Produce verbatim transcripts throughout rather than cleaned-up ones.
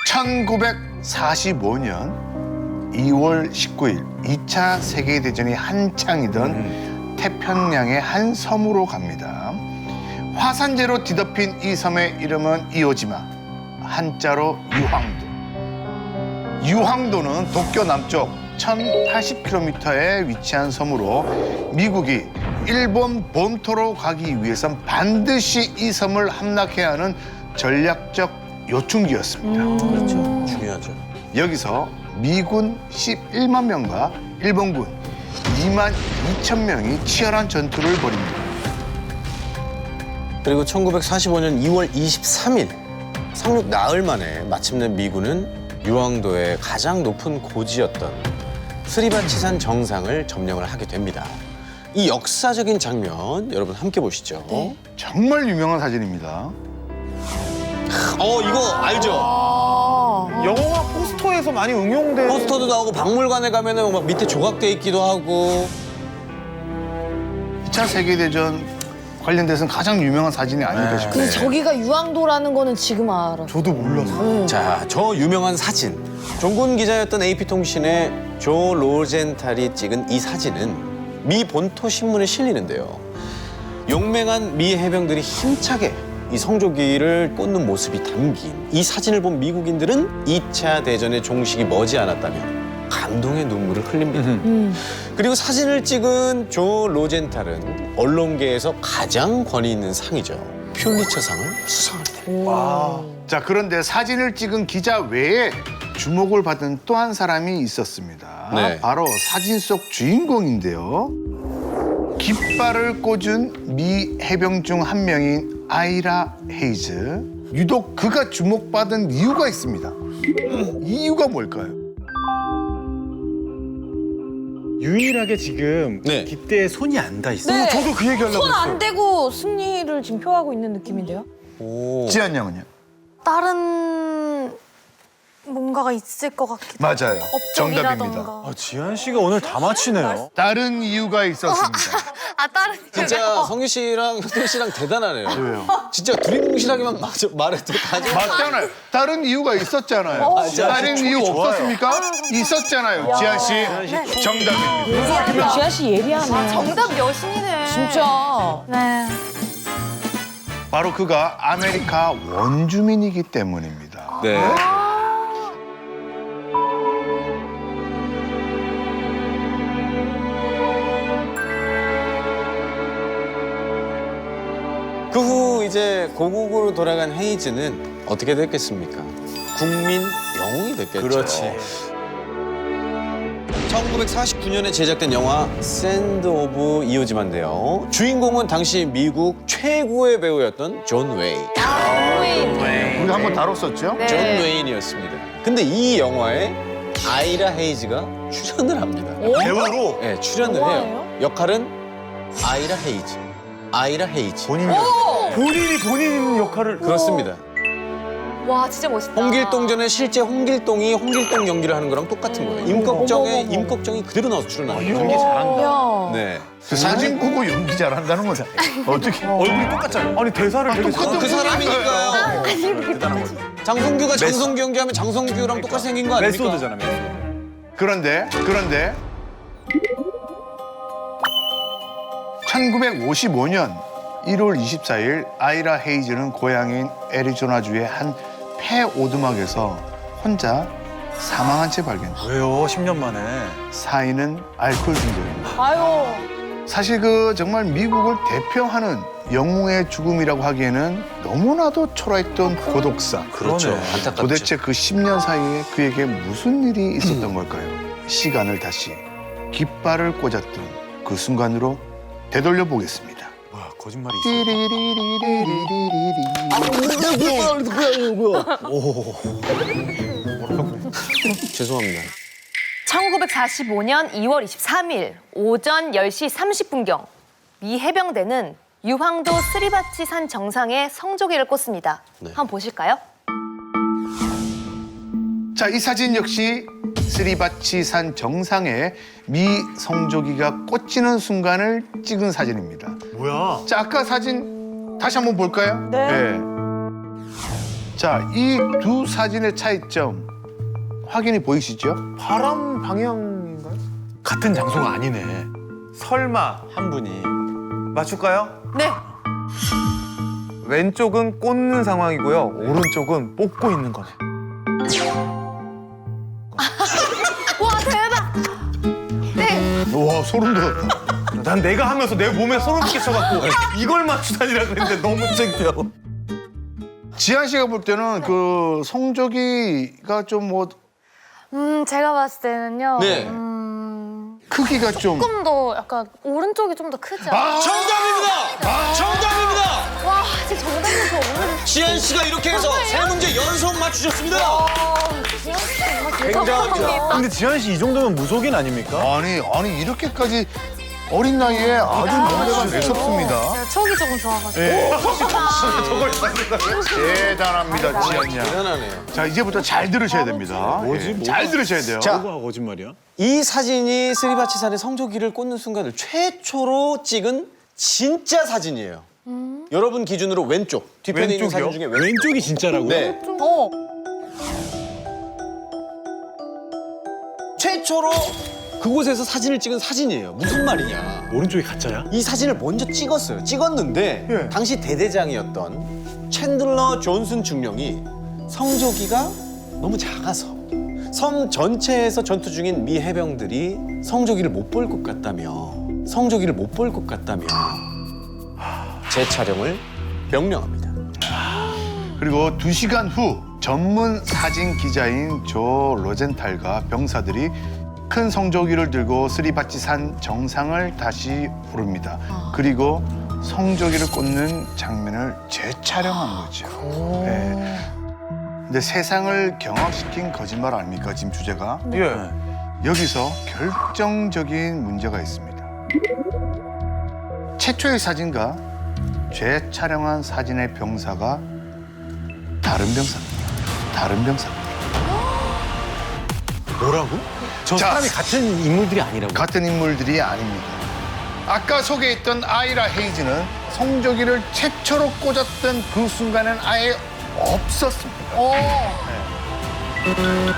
천구백사십오 년 이월 십구일 이 차 세계대전이 한창이던 음. 태평양의 한 섬으로 갑니다. 화산재로 뒤덮인 이 섬의 이름은 이오지마, 한자로 유황도. 유황도는 도쿄 남쪽 천팔십 킬로미터에 위치한 섬으로 미국이 일본 본토로 가기 위해선 반드시 이 섬을 함락해야 하는 전략적 요충지였습니다. 음. 그렇죠. 중요하죠. 여기서 미군 십일만 명과 일본군 이만 이천 명이 치열한 전투를 벌입니다. 그리고 천구백사십오 년 이월 이십삼일, 상륙 나흘 만에 마침내 미군은 유황도의 가장 높은 고지였던 스리바치산 정상을 점령을 하게 됩니다. 이 역사적인 장면 여러분 함께 보시죠. 네. 정말 유명한 사진입니다. 어 이거 알죠? 아, 영화 포스터에서 많이 응용된 포스터도 나오고 박물관에 가면은 막 밑에 조각돼 있기도 하고. 이 차 세계대전 관련돼서는 가장 유명한 사진이 아닐까 싶어요. 근데 저기가 유황도라는 거는 지금 알아. 저도 몰랐어요. 자, 저 유명한 사진. 종군 기자였던 에이피통신의 조 로젠탈이 찍은 이 사진은 미 본토 신문에 실리는데요. 용맹한 미 해병들이 힘차게 이 성조기를 꽂는 모습이 담긴 이 사진을 본 미국인들은 이 차 대전의 종식이 머지않았다며 감동의 눈물을 흘립니다. 음. 그리고 사진을 찍은 조 로젠탈은 언론계에서 가장 권위 있는 상이죠. 퓰리처상을 수상하게 됩니다. 와. 자, 그런데 사진을 찍은 기자 외에 주목을 받은 또 한 사람이 있었습니다. 네. 바로 사진 속 주인공인데요. 깃발을 꽂은 미 해병 중 한 명인 아이라 헤이즈. 유독 그가 주목받은 이유가 있습니다. 이유가 뭘까요? 유일하게 지금 네. 깃대에 손이 안 닿아 있어요. 네. 저도 그 얘기하려고 손 했어요. 안 대고 승리를 지금 표하고 있는 느낌인데요? 오. 지한 양은요? 다른 뭔가가 있을 것 같기도 맞아요. 정답입니다. 업적이라던가. 아, 지한 씨가 오늘 다 맞히네요. 다른 이유가 있었습니다. 아 다른 진짜 성규 씨랑 효태 씨랑 대단하네요. 왜요? 진짜 두리뭉실하게만 막- 말해도 다 맞잖아요. 다른 이유가 있었잖아요. 어, 다른 이유 좋아요. 없었습니까? 있었잖아요. 지한 씨, 정답입니다. 지아 씨 예리하네. 정답 여신이네. 진짜. 네. 바로 그가 아메리카 원주민이기 때문입니다. 네. 그 후 이제 고국으로 돌아간 헤이즈는 어떻게 됐겠습니까? 국민 영웅이 됐겠죠. 그렇지. 천구백사십구 년에 제작된 영화 샌드 오브 이오지마인데요. 주인공은 당시 미국 최고의 배우였던 존 웨인. 우리 한번 다뤘었죠? 네. 존 웨인이었습니다. 근데 이 영화에 아이라 헤이즈가 출연을 합니다. 배우로 네, 출연을 해요. 영화예요? 역할은 아이라 헤이즈. 아이라 헤이즈. 본인이 본인이 본인 역할을 그렇습니다. 와 진짜 멋있다. 홍길동전에 실제 홍길동이 홍길동 연기를 하는 거랑 똑같은 거예요. 임꺽정에 어머, 어머, 어머. 임꺽정이 그대로 나와서 출연하는 거예요. 연기 잘한다. 야. 네. 그 사진 보고 연기 잘한다는 건 어떻게? 얼굴이 똑같잖아요. 아니 대사를 되게 똑같은 그 사람이니까요. 대단한 거죠. 장성규가 장성규 연기하면 장성규랑 똑같이 생긴 거 아닙니까? 메소드잖아, 메소드. 그런데 그런데 천구백오십오 년 일월 이십사일 아이라 헤이즈는 고향인 애리조나주의 한 폐오두막에서 혼자 사망한 채 발견됩니다. 왜요? 십 년 만에. 사인은 알코올 중독입니다. 아유. 사실 그 정말 미국을 대표하는 영웅의 죽음이라고 하기에는 너무나도 초라했던 고독사. 그렇죠. 그러네. 안타깝죠. 도대체 그 십 년 사이에 그에게 무슨 일이 있었던 걸까요? 시간을 다시 깃발을 꽂았던 그 순간으로 되돌려 보겠습니다. 와, 거짓말이 있어. 죄송합니다. 천구백사십오 년 이월 이십삼일 오전 열 시 삼십 분경 미 해병대는 유황도 스리바치 산 정상에 성조기를 꽂습니다. 네. 한번 보실까요? 자, 이 사진 역시 스리바치 산 정상에 미 성조기가 꽂히는 순간을 찍은 사진입니다. 뭐야? 자, 아까 사진 다시 한번 볼까요? 네. 자, 이 두 사진의 차이점 확인이 보이시죠? 바람 방향인가요? 같은 장소가 아니네. 설마 한 분이 맞출까요? 네. 왼쪽은 꽂는 상황이고요. 오른쪽은 뽑고 있는 거네. 와 대박. 네. 와, 소름 돋았다. 난 내가 하면서 내 몸에 소름 끼쳐갖고 이걸 맞추다니라 그랬는데 너무 창피하고. 지한 씨가 볼 때는 그 성조기가 좀 뭐 음, 제가 봤을 때는요. 네. 음, 크기가 좀 조금 더 약간 오른쪽이 좀 더 크죠. 아! 정답입니다. 정답입니다. 와, 진짜 정답이 더 오늘 지한 씨가 이렇게 해서 세 문제 연속 맞추셨습니다. 굉장합니다. 굉장합니다. 근데 지한 씨 이 정도면 무속인 아닙니까? 아니 아니 이렇게까지 어린 나이에 아주 명대가 매섭습니다. 제가 촉이 조금 좋아가지고. 예. 저걸 찾는다고요? 대단합니다, 지한 양. 대단하네요. 자, 이제부터 잘 들으셔야 됩니다. 뭐지, 예, 뭐? 잘 들으셔야 돼요. 자. 뭐가 거짓말이야? 이 사진이 스리바치산의 성조기를 꽂는 순간을 최초로 찍은 진짜 사진이에요. 여러분 기준으로 왼쪽, 뒤편에 있는 사진 중에 왼쪽. 왼쪽이 진짜라고요? 네. 어. 최초로 그곳에서 사진을 찍은 사진이에요. 무슨 말이냐. 오른쪽이 가짜야? 이 사진을 먼저 찍었어요. 찍었는데 예. 당시 대대장이었던 챈들러 존슨 중령이 성조기가 너무 작아서 섬 전체에서 전투 중인 미 해병들이 성조기를 못 볼 것 같다며 성조기를 못 볼 것 같다며 재촬영을 명령합니다. 그리고 두 시간 후 전문 사진 기자인 조 로젠탈과 병사들이 큰 성조기를 들고 스리바치산 정상을 다시 오릅니다. 그리고 성조기를 꽂는 장면을 재촬영한 거죠. 네. 근데 세상을 경악시킨 거짓말 아닙니까, 지금 주제가? 예. 여기서 결정적인 문제가 있습니다. 최초의 사진과 재촬영한 사진의 병사가 다른 병사입니다. 다른 병사입니다. 뭐라고? 저 자. 사람이 같은 인물들이 아니라고? 같은 인물들이 아닙니다. 아까 소개했던 아이라 헤이즈는 성조기를 최초로 꽂았던 그 순간은 아예 없었습니다. 네.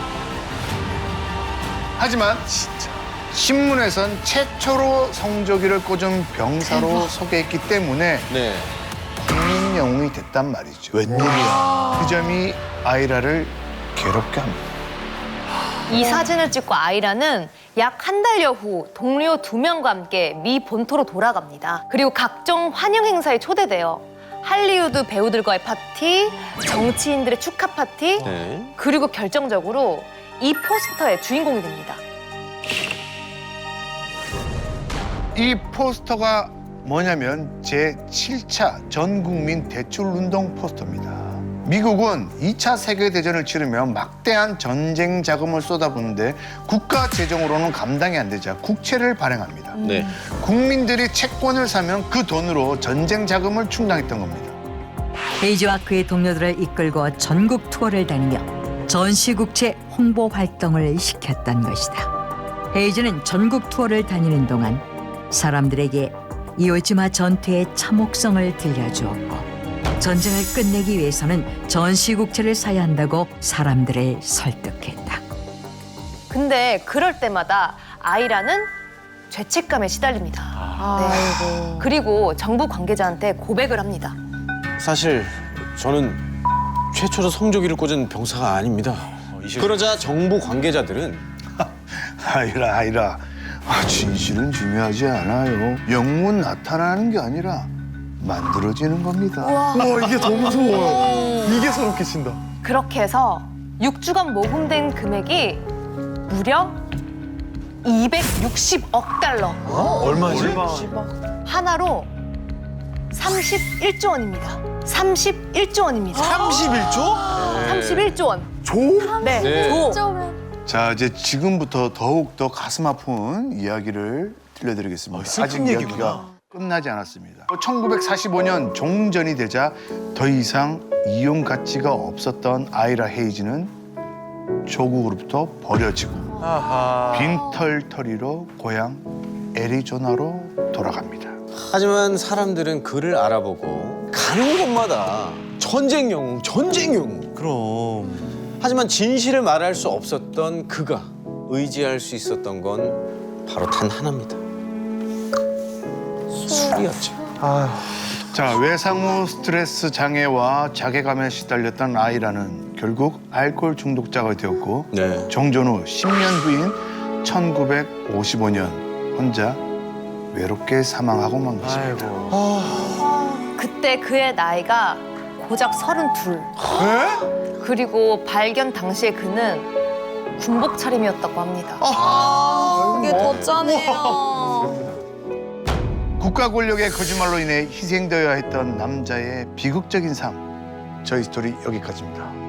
하지만 신문에선 최초로 성조기를 꽂은 병사로 소개했기 때문에 네. 국민 영웅이 됐단 말이죠. 웬일이야. 그 점이 아이라를 괴롭게 합니다. 이 사진을 찍고 아이라는 약 한 달여 후 동료 두 명과 함께 미 본토로 돌아갑니다. 그리고 각종 환영 행사에 초대돼요. 할리우드 배우들과의 파티, 정치인들의 축하 파티, 네. 그리고 결정적으로 이 포스터의 주인공이 됩니다. 이 포스터가 뭐냐면 제칠 차 전국민 대출운동 포스터입니다. 미국은 이 차 세계대전을 치르며 막대한 전쟁 자금을 쏟아붓는데 국가 재정으로는 감당이 안 되자 국채를 발행합니다. 네. 국민들이 채권을 사면 그 돈으로 전쟁 자금을 충당했던 겁니다. 헤이즈와 그의 동료들을 이끌고 전국 투어를 다니며 전시국채 홍보 활동을 시켰던 것이다. 헤이즈는 전국 투어를 다니는 동안 사람들에게 이오지마 전투의 참혹성을 들려주었고 전쟁을 끝내기 위해서는 전시국채를 사야 한다고 사람들을 설득했다. 근데 그럴 때마다 아이라는 죄책감에 시달립니다. 네. 그리고 정부 관계자한테 고백을 합니다. 사실 저는 최초로 성조기를 꽂은 병사가 아닙니다. 그러자 정부 관계자들은 아이라 아이라 아, 진실은 중요하지 않아요. 영웅은 나타나는 게 아니라 만들어지는 겁니다. 와, 이게 더 무서워요. 이게 소름 끼친다. 그렇게 해서 육 주간 모금된 금액이 무려 이백육십억 달러. 얼마지? 하나로 삼십일조 원입니다. 삼십일조 원입니다. 삼십일조? 삼십일조 원. 조? 네. 네. 조. 자, 이제 지금부터 더욱 더 가슴 아픈 이야기를 들려드리겠습니다. 어, 슬픈 아직 얘기구나. 이야기가 끝나지 않았습니다. 천구백사십오 년 종전이 되자 더 이상 이용 가치가 없었던 아이라 헤이즈는 조국으로부터 버려지고 아하. 빈털터리로 고향 애리조나로 돌아갑니다. 하지만 사람들은 그를 알아보고 가는 곳마다 전쟁 영웅, 전쟁 영웅. 그럼. 하지만 진실을 말할 수 없었던 그가 의지할 수 있었던 건 바로 단 하나입니다. 술이었죠. 자, 외상후 스트레스 장애와 자괴감에 시달렸던 아이라는 결국 알코올 중독자가 되었고 네. 정전 후 십 년 후인 천구백오십오 년 혼자 외롭게 사망하고 만 것입니다. 아이고. 그때 그의 나이가 고작 서른둘. 그리고 발견 당시에 그는 군복 차림이었다고 합니다. 그게 더 짜네요. 국가 권력의 거짓말로 인해 희생되어야 했던 남자의 비극적인 삶. 저희 스토리 여기까지입니다.